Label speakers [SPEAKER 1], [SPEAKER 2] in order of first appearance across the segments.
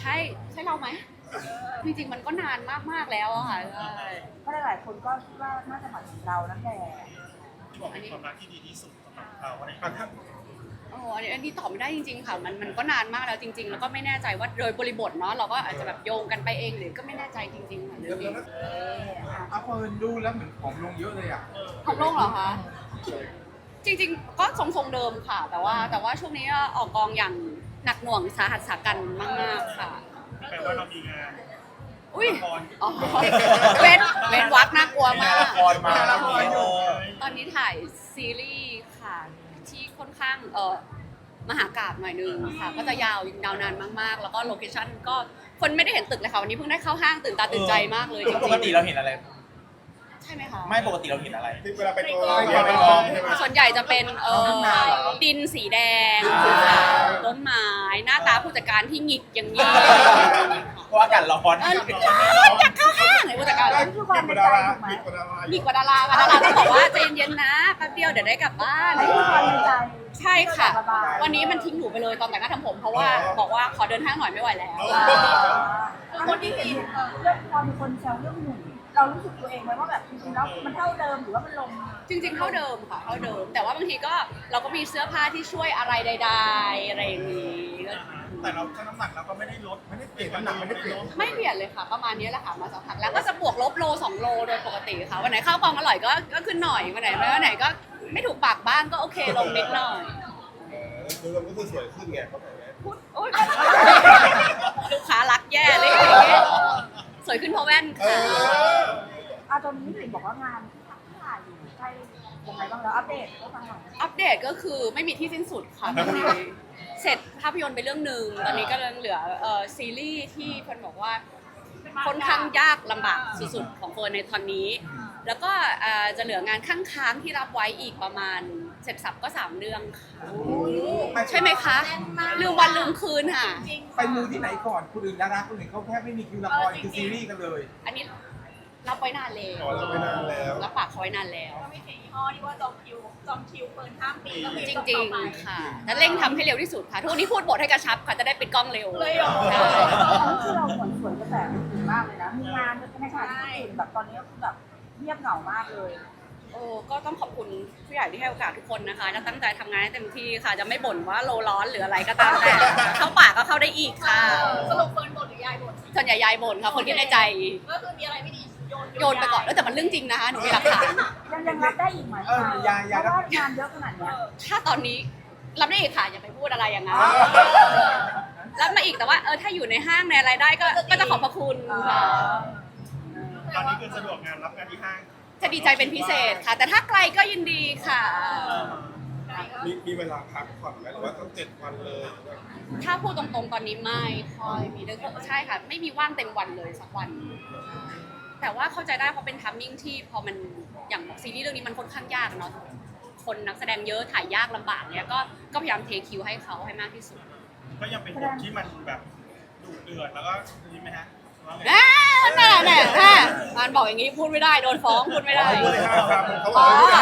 [SPEAKER 1] ใช่เราไหมจริงๆมันก็นานมากๆแล้วอะค่ะใช่
[SPEAKER 2] เพราะหลายๆคนก็คิดว่าน่าจะหมายถึงเรานั่นแหละ
[SPEAKER 3] บอกเป็นความรักที่ดีที่สุดสำหรับเขาอะไรอย่างเงี้ย
[SPEAKER 1] อันนี้ตอบไม่ได้จริงๆค่ะมันก็นานมากแล้วจริงๆแล้วก็ไม่แน่ใจว่าโดยบริบทเนาะเราก็อาจจะแบบโยงกันไปเองหรือก็ไม่แน่ใจจริงๆค่ะเรื่องนี้
[SPEAKER 4] เอาเฟิร์นดูแล้วเหมือนผอมลงเยอะเลยอ่ะ
[SPEAKER 1] ของโลกเหรอคะจริงๆก็ทรงๆเดิมค่ะ แต่ว่าช่วงนี้ก็ออกกองอย่างหนักหน่วงสาหัสสากันมากๆค่ะ
[SPEAKER 3] แปลว่าเรามีงาน
[SPEAKER 1] อุ้ย
[SPEAKER 3] ละคร
[SPEAKER 1] อ๋อเว้นวักน่ากลัวมาก
[SPEAKER 4] ละครมาละครอยู่
[SPEAKER 1] ตอนนี้ถ่ายซีรีส์ค่ะที่ค่อนข้างมหากาพย์หน่อยนึงค่ะก็จะยาวนานมากๆ แล้วก็โลเคชั่นก็คนไม่ได้เห็นตึกเลยค่ะวันนี้เพิ่งได้เข้าห้างตื่นตาตื่นใจมากเลยจริงๆ
[SPEAKER 5] ปกติเราเห็นอะไร
[SPEAKER 1] ใช่ไหมคะ
[SPEAKER 5] ไม่ปกติเราเห็นอะไร
[SPEAKER 4] ที่เวลาไปกอง
[SPEAKER 5] ไปกอง
[SPEAKER 1] ส่วนใหญ่จะเป็นดินสีแดงสีขาวต้นไม้หน้าตาผู้จัดการที่หงิกอย่างนี้
[SPEAKER 5] เพราะอากาศร้อน
[SPEAKER 1] อยากเข้าห้างเลยผู้จัดการ
[SPEAKER 2] นั่นคือความในใจถูกไหม
[SPEAKER 1] หงิกกว่าดาราค่ะดาราต้องบอกว่าใจเย็นๆนะแป๊บเดียวเดี๋ยวได้กลับบ้าน
[SPEAKER 2] นั่นคือความในใจ
[SPEAKER 1] ใช่ค่ะ วันนี้มันทิ้งหนูไปเลยตอนแต่งหน้าทำผมเพราะว่าบอกว่าขอเดินห้างหน่อยไม่ไหวแล้ว
[SPEAKER 2] คนที่เห็นเรื่องพอมีคนแซวเรื่องหนุ่มเรารู้สึกตัวเองไหมว่าแบบจริงๆแล้วมันเท่าเดิมหรือว่ามันลง
[SPEAKER 1] จริงๆเท่าเดิมค่ะเท่าเดิม แต่ว่าบางทีก็เราก็มีเสื้อผ้าที่ช่วยอะไรใดๆอะไรอย่างนี้ก็
[SPEAKER 3] แต่เราชั่งน้ำหนักเราก็ไม่ได้ลด
[SPEAKER 4] ไม่ได้เปลี่ยนน้ำหนักไม่ได้เปลี่ยน
[SPEAKER 1] ไม่เปลี่ยนเลยค่ะ ประมาณนี้แหละค่ะมาสักพักแล้วก็จะบวกลบโล2 โลโดยปกติค่ะวันไหนข้าวกล่องอร่อยก็ขึ้นหน่อยวันไหนไม่วันไหนก็ไม่ถูกปากบ้างก็โอเคลงนิดหน่อย
[SPEAKER 4] คือมันก็คือสวยขึ้นไงเขาบอกไง
[SPEAKER 1] พูดโอ๊ยลูกค้ารักแย่เลยอย่างเงี้ยสวยขึ้นเพราะแว่นค่ะ
[SPEAKER 2] ตอนนี้เห็นบอกว่างานที่ถ่ายอยู่ใกล้ยังไงบ้างแล้วอัปเดตให้ฟังหน่อย
[SPEAKER 1] อัปเดตก็คือไม่มีที่สิ้นสุดค่ะตอนนี้เสร็จภาพยนตร์ไปเรื่องหนึ่งตอนนี้ก็เหลือซีรีส์ที่เฟิร์นบอกว่าค่อนข้างยากลำบากสุดๆของเฟิร์นในตอนนี้ แล้วก็จะเหลืองานข้างค้างที่รับไว้อีกประมาณเสร็จสับก็3 เรื่องค่ะใช่ไหมคะลืมวันลืมคืนค่ะ
[SPEAKER 4] ไปมูที่ไหนก่อนคนอื่นดาราคนอื่นเขาแทบไม่มีคิวละครคือซีรีส์กันเลย
[SPEAKER 1] อันนี้รับไว้นานแล้ว
[SPEAKER 4] อ๋อรับไว้นานแล้ว
[SPEAKER 1] รับปากเขาไว้นานแล้ว
[SPEAKER 6] ก็ไม่ใช่ยี่ห้อที่ว่าจองคิวเปิดข้ามปีก็คือ
[SPEAKER 1] จริงๆค่ะแล้วเร่งทำให้เร็วที่สุดค่ะ ทุกวันนี้พูดบทให้กระชับค่ะ จะได้ปิดกล้องเร็ว
[SPEAKER 6] เลยเหรอ
[SPEAKER 1] ใช่
[SPEAKER 2] อันนี้คือเราเหมือนสวนกระแสดีมากเลยนะ มีงานในขณะที่คนอื่นแบบตอนนี้ก็คือแบบเงียบเหงามากเลย
[SPEAKER 1] โอ้ก็ต้องขอบคุณผู้ใหญ่ที่ให้โอกาสทุกคนนะคะจะตั้งใจทำงานให้เต็มที่ค่ะ จะไม่บ่นว่าโลร้อนหรืออะไรก็ตามแต่ เข้าปากก็เข้าได้อีกค่ะ
[SPEAKER 6] สรุปเฟิร์นบทหรือยายบท
[SPEAKER 1] ส่วนใหญ่ยายบ่นค่ะ คนที่ในใจ
[SPEAKER 6] ก็คือมีอะไรไม่ดี
[SPEAKER 1] โยนไปก่อนแล้วแต่มันเรื่องจริงนะคะ หนูมีหลักฐาน
[SPEAKER 2] ยังรับได้อีกไหมเพราะว่างานเยอะขนาดเนี้ย
[SPEAKER 1] ถ้าตอนนี้รับได้อีกค่ะ อย่าไปพูดอะไรอย่างนั้นรับมาอีกแต่ว่าถ้าอยู่ในห้างในอะไรได้ก็จะขอบพระคุณค่ะ
[SPEAKER 3] ตอนนี้คือสะดวกงานรับงานที่ห้าง
[SPEAKER 1] จะดีใจเป็นพิเศษค่ะ แต่ถ้าไกลก็ยินดีค่ะ
[SPEAKER 4] มีเวลาพักผ่อนไหมหรือว่าต้อง7 วันเลย
[SPEAKER 1] ถ้าพูดตรงๆตอนนี้ไม่ค่อยมีเรื่องใช่ค่ะ ไม่มีว่างเต็มวันเลยสักวัน แต่ว่าเข้าใจได้เพราะเป็นทัมมิ่งที่พอมันอย่างซีรีส์เรื่องนี้มันค่อนข้างยากเนาะคนนักแสดงเยอะถ่ายยากลำบากเนี้ยก็พยายามเทคิวให้เขาให้มากที่สุด
[SPEAKER 3] ก็ยังเป็นบทที่มันแบบดุเดือดแล้วก็นี่ไหมฮะว่าไง
[SPEAKER 1] แน่มันบอกอย่างนี้พูดไม่ได้โดนฟ้องพูดไม่ได้
[SPEAKER 4] พูดเลย5 คำเขาบอกว่า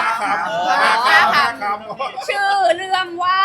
[SPEAKER 4] 5 คำ
[SPEAKER 1] ชื่อเรื่องว่า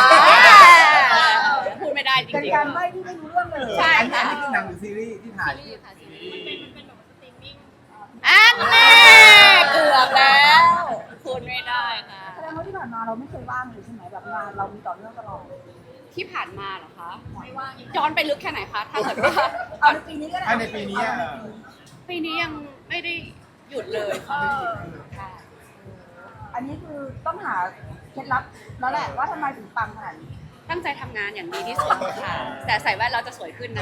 [SPEAKER 1] พูดไม่ได้จ
[SPEAKER 2] เป็น
[SPEAKER 1] ริง
[SPEAKER 2] การใบ้ที่ไม่รู้เรื่องเลย
[SPEAKER 1] ใช่
[SPEAKER 4] อันนี้คือหนังหรือซีรีส์ที่ถ่าย
[SPEAKER 1] ๆซีรีส์ค่ะซีรีส์
[SPEAKER 6] เป็นแบบสตรีมมิ่ง
[SPEAKER 1] อันแน่เกือบแล้วพูดไม่ได้ค่ะ
[SPEAKER 2] แสดงว่าที่ผ่านมาเราไม่เคยว่างเลยใช่ไหมแบบงานเรามีต่อเนื่องตลอด
[SPEAKER 1] ที่ผ่านมาเหรอคะ
[SPEAKER 6] ไม่ว่างอีก
[SPEAKER 1] ย้อนไปลึกแค่ไหนคะ ถ้าเกิดว่า
[SPEAKER 2] เอาในปีนี้ก็ได้
[SPEAKER 4] ในปีนี้
[SPEAKER 1] ปีนี้ยังไม่ได้หยุดเลยค่ะใช่
[SPEAKER 2] อันนี้คือต้องหาเคล็ดลับแล้วแหละว่าทำไมถึงปังขนาดนี้
[SPEAKER 1] ตั้งใจทำงานอย่างดีที่สุดค่ะ แต่ใส่แว่นเราจะสวยขึ้นนะ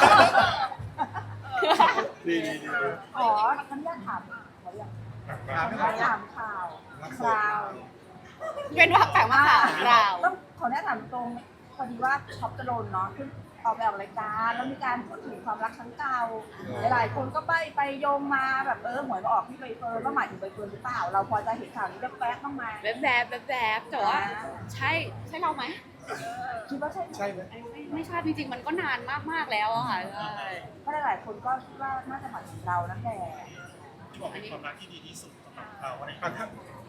[SPEAKER 4] ดี
[SPEAKER 2] ขออนุญาตถามขออยากถามข่าวคราว
[SPEAKER 1] เป็นวักแปลกมากค่ะเราว
[SPEAKER 2] ต้องขออนุญาตถามตรงพอดีว่าท็อปจรนเนาะขึ้นออกแบบรายการแล้วมีการพูดถึงความรักครั้งเก่าหลายๆคนก็ไปโยงมาแบบหวยมาออกที่ใบเฟิร์นว่าหมายถึงใบเฟิร์นหรือเปล่า เราพอจะเห็นข่าวนี้แป๊บๆบ้างไหม
[SPEAKER 1] แบบแต่ว่าใช่เราไหม
[SPEAKER 2] คิดว่าใช่ไหม
[SPEAKER 4] ใช่ไหม
[SPEAKER 1] ไม่ใช่จริงๆมันก็นานมากๆแล้วอะค่ะใช่
[SPEAKER 2] เพราะหลายๆคนก็คิดว่าน่าจะหมายถึงเรานั่นแหละ
[SPEAKER 3] บอกเป็นความรักที่ดีที่สุดสำหรับเขาอะไรอย่างเงี้ย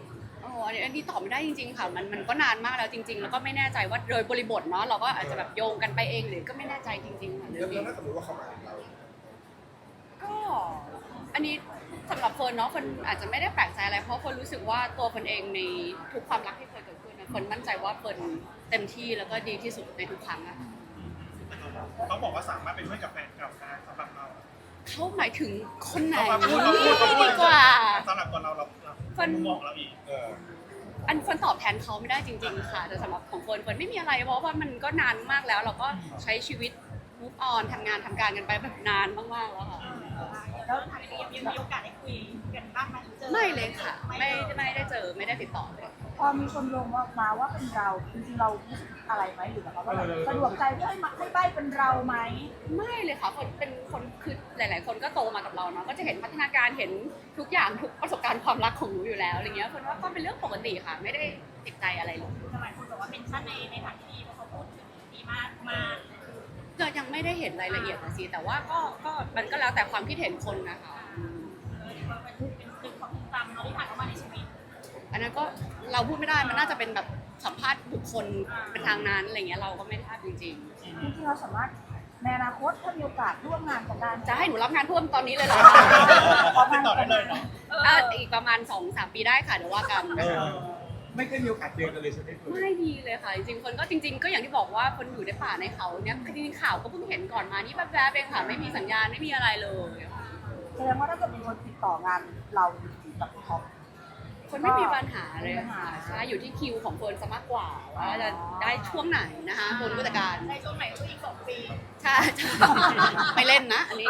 [SPEAKER 1] อันนี้ตอบไม่ได้จริงๆค่ะมันก็นานมากแล้วจริงๆแล้วก็ไม่แน่ใจว่าโดยบริบทเนาะเราก็อาจจะแบบโยงกันไปเองหรือก็ไม่แน่ใจจริงๆค่ะเรื่อง
[SPEAKER 7] แล้ว
[SPEAKER 1] นี้
[SPEAKER 7] ถ้าสมมติว่าเขามาถึงเรา
[SPEAKER 1] ก็อันนี้สำหรับเฟิร์นเนาะเฟิร์นอาจจะไม่ได้แปลกใจอะไรเพราะเฟิร์นรู้สึกว่าตัวเฟิร์นเองในทุกความรักที่เคยเกิดขึ้นนะเฟิร์นมั่นใจว่าเฟิร์นเต็มที่แล้วก็ดีที่สุดในทุกครั้งอะ
[SPEAKER 3] เขาบอกว่าสามารถเป็นเพื่อนกับแฟนเก่าได้สำหรับเรา
[SPEAKER 1] เขาหมายถึงคนไหน
[SPEAKER 3] เขาพูด
[SPEAKER 1] ดีกว่า
[SPEAKER 3] สำหรับตัวเรามุมมองเราอีก
[SPEAKER 1] อันเฟิร์นตอบแทนเขาไม่ได้จริงๆค่ะแต่สำหรับของเฟิร์นไม่มีอะไรเพราะว่ามันก็นานมากแล้ว เราก็ใช้ชีวิต move on ทำงานทำการกันไปแบบนานมากๆแล้วค่ะ
[SPEAKER 6] แล้วทางนี้ยังมีโอกาสได้คุยกันบ้างไหมเจอ
[SPEAKER 1] ไม่เลยค่ะ ไม่ได้เจอไม่ได้ติดต่อเลย
[SPEAKER 2] พอมีคนลงมาว่าเป็นเราจริงๆเรารู้สึกอะไรไหมหรือแบบว่าสะดวกใจที่ให้ใบ้เป็นเราไหม
[SPEAKER 1] ไม่เลยค่ะคนเป็นคนคือหลาย ๆ คนก็โตมากับเราเนาะก็จะเห็นพัฒนาการเห็นทุกอย่างทุกประสบการณ์ความรักของหนูอยู่แล้วอะไรเงี้ยคนว่าก็เป็นเรื่องปกติค่ะ ไม่ได้ติดใจอะไรเลย
[SPEAKER 6] หลายคนบอกว่าเป็นชั้นในทางที่ดีเพราะเขาพูดถึงดีมาก
[SPEAKER 1] ก็ยังไม่ได้เห็นรายละเอียดนะสิแต่ว่าก็มันก็แล้วแต่ความคิดเห็นคนนะคะ
[SPEAKER 6] ว่าเป็นตึกของจำเราที่ผ่านเข้ามาในชีวิต
[SPEAKER 1] อันนั้นก็เราพูดไม่ได้มันน่าจะเป็นแบบสัมภาษณ์บุคคลเป็นทางนั้นอะไรเงี้ยเราก็ไม่ทราบจริง
[SPEAKER 2] จริงๆเราสามารถในอนาคตถ้ามีโอกาสร่วมงานกันได้
[SPEAKER 1] ๆ จะให้หนูรับงานท่วมตอนนี้เลยเหรอ
[SPEAKER 3] ติดต่อได้เลยเนาะ
[SPEAKER 1] อีกประมาณ 2-3 ปีได้ค่ะเดี๋ยวว่ากัน
[SPEAKER 4] ไม่เคยมีโอกาสเจอกันเลยใช่ไหมคุณ
[SPEAKER 1] ไม่ดีเลยค่ะ จริงๆคนก็จริง ๆ ก็อย่างที่บอกว่าคนอยู่ในป่าในเขาเนี่ยจริงๆข่าวก็เพิ่งเห็นก่อนมานี่แป๊บๆเองค่ะไม่มีสัญญาณไม่มีอะไรเลย
[SPEAKER 2] แสดงว่าถ้าเกิดมีคนติดต่องานเรากับท็อป
[SPEAKER 1] คนไม่มีปัญหาเลยค่ะใช่อยู่ที่คิวของคนซะมากกว่าว่าจะได้ช่วงไหนนะคะคนผู้จัดการ
[SPEAKER 6] ในช่วงไหนก็คืออีก2 ปี
[SPEAKER 1] ใช่ไม่เล่นนะ อันนี้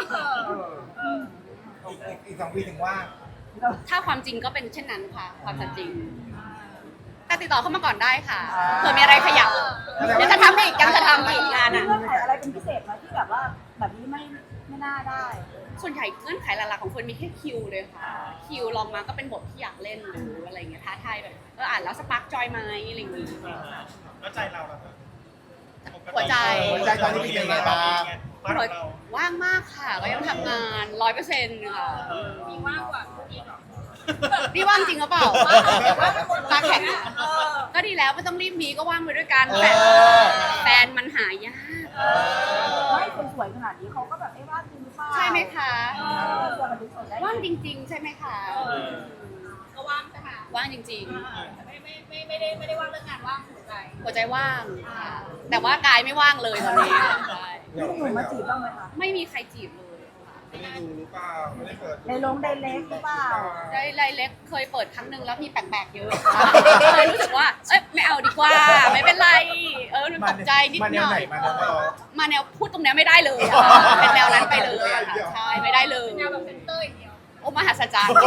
[SPEAKER 4] อีก2 ปีถึงว่า
[SPEAKER 1] ถ้าความจริงก็เป็นเช่นนั้นค่ะความจริง แต่ติดต่อเข้ามาก่อนได้ค่ะเผื่อมีอะไรขยับยังจะทำอีกยังจะทำอีกงาน
[SPEAKER 2] มี
[SPEAKER 1] อ่ะ
[SPEAKER 2] เงื่อนไขอะไรเป็นพิเศษไหมที่แบบว่าแบบนี้ไม่น่าได้
[SPEAKER 1] ส่วนใหญ่เงื่อนไขหลักๆของคนมีแค่คิวเลยค่ะคิวลองมาก็เป็นบทที่อยากเล่นหรืออะไรเงี้ยท้าทายแบบอ่านแล้วสปาร์กจอยไหมอะไรอย่างงี้
[SPEAKER 3] แล้วใจเราล่ะ
[SPEAKER 1] หัวใจ
[SPEAKER 5] ตอนนี้เป็นยังไงบ้าง
[SPEAKER 1] ว่างมากค่ะก็ยังทำงาน 100%ค่ะ
[SPEAKER 6] มีว่างกว่าคุณอีกหรอ
[SPEAKER 1] นี่ว่างจริงหรือเปล่าตาแข็งก็ดีแล้วไม่ต้องรีบมีก็ว่างไปด้วยกันแต่แฟนมันหายาก
[SPEAKER 2] ไม่คนสวยขนาดนี้เขาก็แบบไม่ว่าจริงหรือเปล่า
[SPEAKER 1] ใช่ไหมคะ
[SPEAKER 2] เจอกันทุกคนได้
[SPEAKER 1] ว่างจริง ๆ ใช่ไหมคะ
[SPEAKER 6] ก็ว่างใช่ไหม
[SPEAKER 1] ว่างจริง
[SPEAKER 6] ไม่ได้ว่างเรื่องงานว่างหัวใจ
[SPEAKER 1] ๆ หัวใจว่างค่ะแต่ว่ากายไม่ว่างเลยตอนนี้ใช่
[SPEAKER 2] มีหนุ่มมาจีบบ้างไหมคะ
[SPEAKER 1] ไม่มีใครจีบเลยค่ะ
[SPEAKER 7] ไม่ได้ดูหรือเปล่าไม่ได้เปิด
[SPEAKER 2] ในลงไดเล็กหรือเปล่า
[SPEAKER 1] ได้ไลน์เล็กเคยเปิดครั้งหนึ่งแล้วมีแปลกๆเยอะเลยรู้สึกว่าเอ้ยไม่เอาดีกว่าไม่เป็นไรมันตกใจนิดหน่อย มาแนวพูดตรงเนี้ยไม่ได้เลยอะเป็นแนวนั้นไปเลยอะค่ะใช่ไม่ได้เลย
[SPEAKER 6] แนวแบบเซนเตอร์อย่างเดียว
[SPEAKER 1] โอ้มหัศจรรย์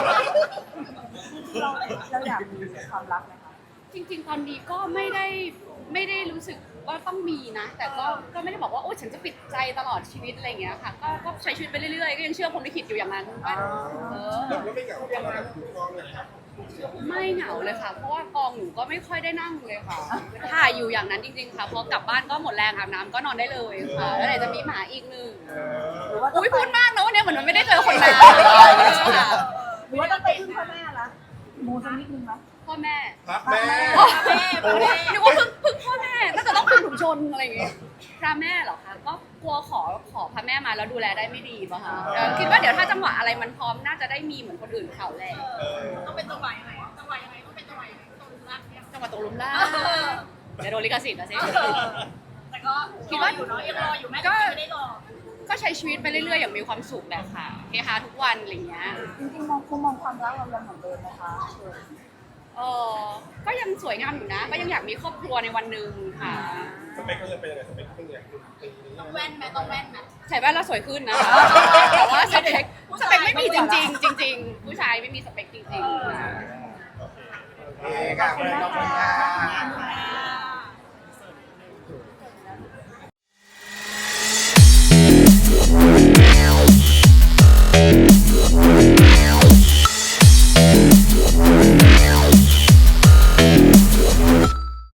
[SPEAKER 2] เราอยากมีความรักไหมคะ
[SPEAKER 1] จริงๆ ตอนนี้ก็ไม่ได้รู้สึกว่าต้องมีนะ แต่ก็ไม่ได้บอกว่าโอ้ฉันจะปิดใจตลอดชีวิตอะไรอย่างเงี้ยค่ะก็ใช้ชีวิตไปเรื่อยๆก็ยังเชื่อพรหมลิขิตอยู่อย่างนั้นว่าเออ
[SPEAKER 7] แล้วไม่เหงาเวลาดูกล้องเลยครับ
[SPEAKER 1] ไม่เหงาเลยค่ะ เพราะว่ากองหนูก็ไม่ค่อยได้นั่งเลยค่ะถ่ายอยู่อย่างนั้นจริงๆค่ะพอกลับบ้านก็หมดแรงอาบน้ำก็นอนได้เลยค่ะแล้วไหนจะมีหมาอีกหนึ่ง
[SPEAKER 2] หรือว่า
[SPEAKER 1] อุ้ยพูดมากนะวันนี้เหมือนมันไม่ได้เจอคนนานค่ะ
[SPEAKER 2] หรือว่าต้องไปพึ่งพ่อแม่ละมูสักนิดนึงไหม
[SPEAKER 1] พ่อแม่
[SPEAKER 7] ครับแม่
[SPEAKER 1] นึกว่าพึ่งพ่อแม่ก็จะต้องพึ่งถุงชนอะไรอย่างเงี้ยพระแม่เหรอคะก็กลัวขอพระแม่มาแล้วดูแลได้ไม่ดีป่ะคะคิดว่าเดี๋ยวถ้าจังหวะอะไรมันพร้อมน่าจะได้มีเหมือนคนอื่นเขาแหละ
[SPEAKER 6] ต้องเป็นจังหวะยังไงจังหวะยังไงต้องเป็นจังหวะยังไงตรงรักเนี่ย
[SPEAKER 1] จังหวะตกหลุมล่างเดี๋ยวโดนลิขสิทธิ์นะสิ
[SPEAKER 6] แต่ก็คิดว่าอยู่เนาะยังรออยู่แม่ก็ไม่ได้รอ
[SPEAKER 1] ก็ใช้ชีวิตไปเรื่อยๆอย่างมีความสุขแหละค่ะเฮฮาทุกวันอะไรอย่างเงี้ย
[SPEAKER 2] จริงๆมองความรักเรายังเหมือนเดิมไหมคะ
[SPEAKER 1] ก็ยังสวยงามอยู่นะ ก็ยังอยากมีครอบครัวในวันหนึ่งค่ะ
[SPEAKER 7] สเปคเขาจะเป็นยังไงสเปคเขาเป็นยังไงปีนี้
[SPEAKER 6] ต้องแว่นไหมต้องแว่นไหม
[SPEAKER 1] ใส่แว่นแล้วสวยขึ้นนะคะแต่ว่าสเปคไม่มีจริงๆจริงๆผู้ชายไม่มีสเปคจริงๆ
[SPEAKER 4] โอเคค่ะขอบคุณค่ะ